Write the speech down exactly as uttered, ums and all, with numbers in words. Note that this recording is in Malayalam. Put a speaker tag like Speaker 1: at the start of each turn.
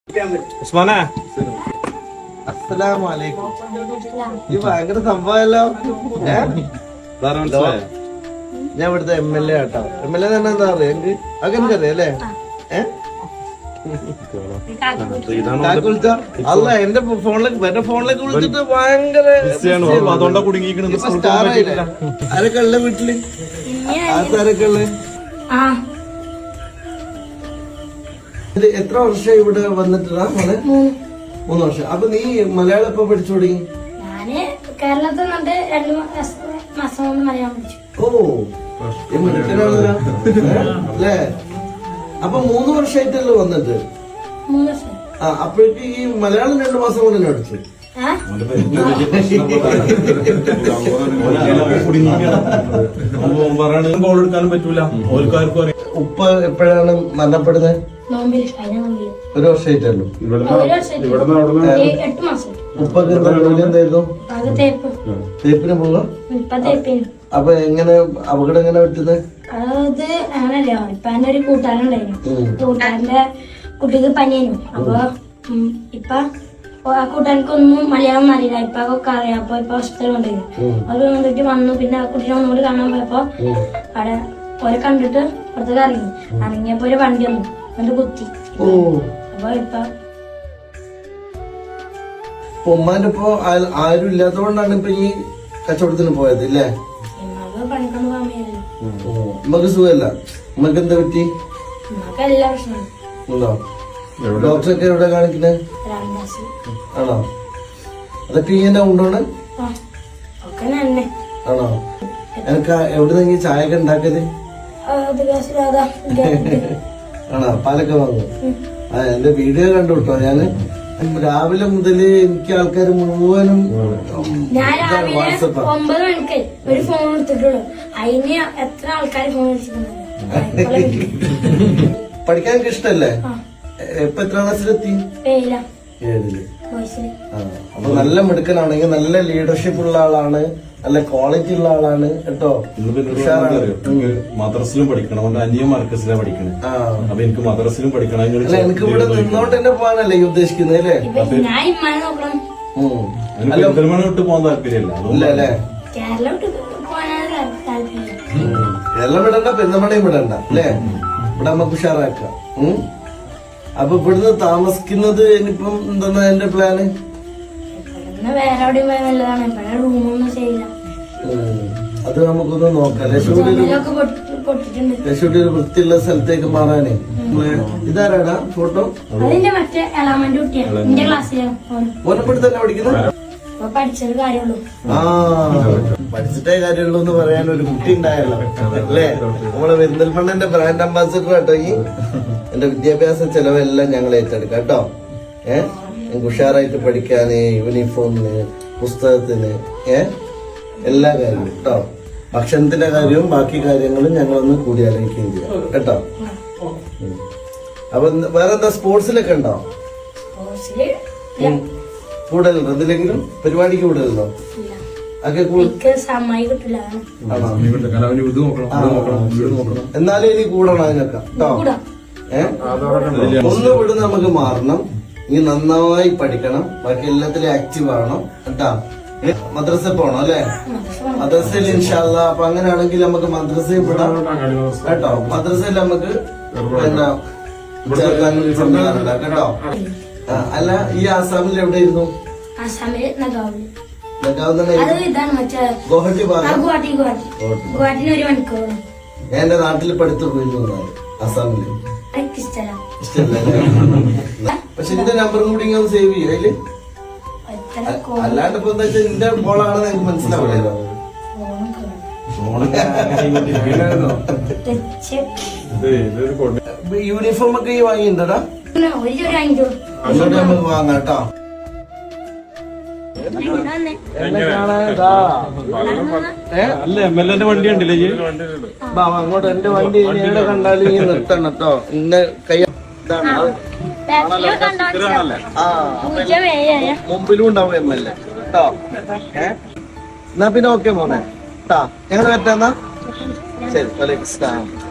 Speaker 1: ഉസ്മാനെ
Speaker 2: അസ്സലാമലൈക്കും. ഈ ഭയങ്കര സംഭവമല്ലോ. ഞാൻ ഇവിടുത്തെ എം എൽ എ ആട്ടോ. എം എൽ എ തന്നെ എന്താ പറയാ എനിക്ക് അങ്ങനെ അറിയാം അല്ലേ? ഏഹ് അല്ല എന്റെ ഫോണിലേക്ക് എന്റെ ഫോണിലേക്ക് വിളിച്ചിട്ട് ഭയങ്കര ആരൊക്കെ ഉള്ള വീട്ടില് ആരൊക്കെ ഉള്ള എത്ര വർഷം ഇവിടെ വന്നിട്ടാ മോനെ? മൂന്ന് വർഷം. അപ്പൊ നീ മലയാളം എപ്പോ പഠിച്ചു തുടങ്ങി?
Speaker 3: കേരളത്തിൽ നിന്നിട്ട് രണ്ടു മാസം കൊണ്ട് മലയാളം പഠിച്ചു.
Speaker 2: ഓ മിടുക്കനാണല്ലോ അല്ലേ? അപ്പൊ മൂന്ന് വർഷമായിട്ടല്ലോ വന്നിട്ട്?
Speaker 3: മൂന്ന് വർഷം.
Speaker 2: ആ അപ്പോഴേക്ക് ഈ മലയാളം രണ്ടു മാസം കൊണ്ട് തന്നെ പഠിച്ചു.
Speaker 1: എടുക്കാനും പറ്റൂല.
Speaker 2: ഉപ്പ എപ്പോഴാണ് മരണപ്പെടുന്നത്? ഒരു വർഷമായിട്ടല്ലോ. ഉപ്പൊക്കെ എന്താ ജോലി എന്തായിരുന്നു? തേപ്പിന് പോകാം. അപ്പൊ എങ്ങനെ അപകടം എങ്ങനെ പറ്റുന്നത്?
Speaker 3: അത് അങ്ങനല്ലോ. ഇപ്പൊ എന്റെ ഒരു കൂട്ടുകാരുണ്ടായിരുന്നു. കൂട്ടുകാരന്റെ കുട്ടിക്ക് പനിയായിരുന്നു. അപ്പൊ ഇപ്പൊ ആ കൂട്ടുകാർക്കൊന്നും മലയാളം അറിയില്ല. ഇപ്പൊ ഒക്കെ അറിയാം. അപ്പൊ ഇപ്പൊ ഹോസ്പിറ്റലിൽ കൊണ്ടുവരും. അവര് വന്നിട്ട് വന്നു. പിന്നെ ആ കുട്ടീനെ ഒന്നുകൂടി കാണാൻ പോയപ്പോ അവിടെ ഓരെ കണ്ടിട്ട് പുറത്തേക്ക് ഇറങ്ങി. ഇറങ്ങിയപ്പോ ഒരു വണ്ടി വന്നു. എന്നിട്ട് കുത്തി. അപ്പൊ ഇപ്പൊ
Speaker 2: ഉമ്മാന്റെ ഇപ്പൊ ആരും ഇല്ലാത്തതുകൊണ്ടാണ് ഇപ്പൊ ഈ കച്ചവടത്തിന് പോയത് ഇല്ലേ?
Speaker 3: പണിക്കൊന്നും പോകാൻ പറ്റില്ല.
Speaker 2: ഉമ്മക്ക് സുഖമല്ല. ഉമ്മക്ക് എന്താ പറ്റി?
Speaker 3: ഉമ്മക്ക് എല്ലാ പ്രശ്നമാണ്.
Speaker 2: ഉണ്ടോ? ഡോക്ടറൊക്കെ എവിടെ കാണിക്കുന്നത്? ആണോ? അതൊക്കെ ഇങ്ങനെ ഉണ്ടോണ്? ആണോ? എനിക്ക് എവിടെ നിന്ന് ചായ ഒക്കെ ഉണ്ടാക്കിയത്? ആണോ? പാലൊക്കെ വാങ്ങും. ആ എന്റെ വീഡിയോ കണ്ടു കേട്ടോ. ഞാന് രാവിലെ മുതല് എനിക്ക് ആൾക്കാർ മുഴുവനും വാട്സപ്പ്
Speaker 3: ഒമ്പത് മണിക്ക് ഒരു ഫോൺ എടുത്തിട്ടുള്ളൂ. അതിന് എത്ര ആൾക്കാർ ഫോൺ വിളിച്ചിട്ടുണ്ടോ?
Speaker 2: പഠിക്കാൻ എനിക്ക് ഇഷ്ടല്ലേ? ഇപ്പൊ എത്ര ക്ലാസ്സിലെത്തി? ഏഴില്. അപ്പൊ നല്ല മിടുക്കനാണെങ്കിൽ നല്ല ലീഡർഷിപ്പ് ഉള്ള ആളാണ്, നല്ല ക്വാളിറ്റി ഉള്ള ആളാണ് കേട്ടോ.
Speaker 1: മദ്രസിലും പഠിക്കണം. അന്യ മർക്കസിലാണ് പഠിക്കണേ. അപ്പൊ എനിക്ക് മദ്രസിലും പഠിക്കണം.
Speaker 2: എനിക്ക് ഇവിടെ നിന്നോണ്ട് തന്നെ പോകാനല്ലേ ഈ ഉദ്ദേശിക്കുന്നത് അല്ലേ?
Speaker 1: പെരുന്തൽമണ്ണ വിട്ട് പോകാൻ താല്പര്യമില്ല.
Speaker 2: അല്ലേ? കേരളം വിടണ്ട, പെരുന്തൽമണ്ണയും വിടണ്ട അല്ലേ? ഇവിടെ നമുക്ക് ഉഷാറാക്കാം. അപ്പൊ ഇവിടുന്ന് താമസിക്കുന്നത് ഇനിയിപ്പം എന്താ എന്റെ പ്ലാന്?
Speaker 3: വേറെ എവിടെയും പോയാൽ നല്ലതാണ്. ഇവിടെ റൂമൊന്നും ചെയ്യില്ല.
Speaker 2: അത് നമുക്കൊന്ന് നോക്കാം. ലക്ഷ്മി ഒരു വൃത്തിയുള്ള സ്ഥലത്തേക്ക് മാറാനേ. ഇതാരാടാ ഫോട്ടോ?
Speaker 3: അതിന്റെ മറ്റേ എളാമന്റെ കുട്ടിയാണ്. എന്റെ ക്ലാസ്സിലാണ്.
Speaker 2: ഓനപ്പെട്ട് തന്നെ പഠിക്കുന്നത്?
Speaker 3: പഠിച്ചത് കാര്യമുള്ളൂ.
Speaker 2: ആ പഠിച്ചിട്ടേ കാര്യമുള്ളൂ എന്ന് പറയാൻ ഒരു കുട്ടി ഉണ്ടായല്ലോ അല്ലേ? നമ്മളെ പെരിന്തൽമണ്ണന്റെ ബ്രാൻഡ് അംബാസിഡർ കേട്ടോ. ഈ എന്റെ വിദ്യാഭ്യാസ ചെലവെല്ലാം ഞങ്ങൾ ഏറ്റെടുക്കാം കേട്ടോ. ഏഹ് എനിക്ക് ഉഷാറായിട്ട് പഠിക്കാന്, യൂണിഫോമിന്, പുസ്തകത്തിന്, ഏഹ് എല്ലാ കാര്യവും കേട്ടോ. ഭക്ഷണത്തിന്റെ കാര്യവും ബാക്കി കാര്യങ്ങളും ഞങ്ങളൊന്ന് കൂടി ആലോചിക്കുകയും ചെയ്യാം കേട്ടോ. അപ്പൊ വേറെന്താ സ്പോർട്സിലൊക്കെ ഉണ്ടോ? കൂടുതലുണ്ടോ? എന്തിലെങ്കിലും പരിപാടിക്ക് കൂടുതലുണ്ടോ? എന്നാലും ഇനി കൂടണം അതിനൊക്കെ കേട്ടോ. ഏഹ് ഒന്ന് വിടുന്ന നമുക്ക് മാറണം. ഇനി നന്നായി പഠിക്കണം. ബാക്കി എല്ലാത്തിലും ആക്റ്റീവ് ആവണം കേട്ടോ. മദ്രസ പോണം അല്ലെ? മദ്രസയിൽ ഇൻഷാല്ല. അപ്പൊ അങ്ങനെയാണെങ്കിൽ നമുക്ക് മദ്രസയിൽ വിടാം കേട്ടോ. മദ്രസയിൽ നമുക്ക് എന്താ ചേർക്കാനും സംവിധാനം കേട്ടോ. അല്ല ഈ ആസാമിൽ എവിടെയായിരുന്നു? ഗുവാഹട്ടി ഭാഗം. ഞാൻ എന്റെ നാട്ടിൽ പഠിത്തു പോയിരുന്നു ആസാമില്. പക്ഷെ എന്റെ നമ്പറും കൂടി ഇങ്ങനെ സേവ് ചെയ്യും അതില്. അല്ലാണ്ട് ഇപ്പൊ എന്താ വെച്ചാൽ എന്റെ മോളാണെന്ന് എനിക്ക് മനസ്സിലാവില്ലല്ലോ. യൂണിഫോം ഒക്കെ ഈ വാങ്ങിയിട്ടുണ്ടോടാ? നമുക്ക് വാങ്ങാം കേട്ടോ.
Speaker 1: അല്ല എം എൽ എന്റെ വണ്ടി ഉണ്ടല്ലേ?
Speaker 2: അങ്ങോട്ട് എന്റെ വണ്ടി എവിടെ കണ്ടാലും ഈ നിർത്തണം കേട്ടോ. ഇന്ന കൈ മുമ്പിലും ഉണ്ടാവും എം എൽ എ കേട്ടോ. ഏഹ് എന്നാ പിന്നെ ഓക്കെ മോനെ കേട്ടാ. ഞങ്ങൾ പറ്റാന്നാ ശരി. വലൈക്കും സ്ലാം.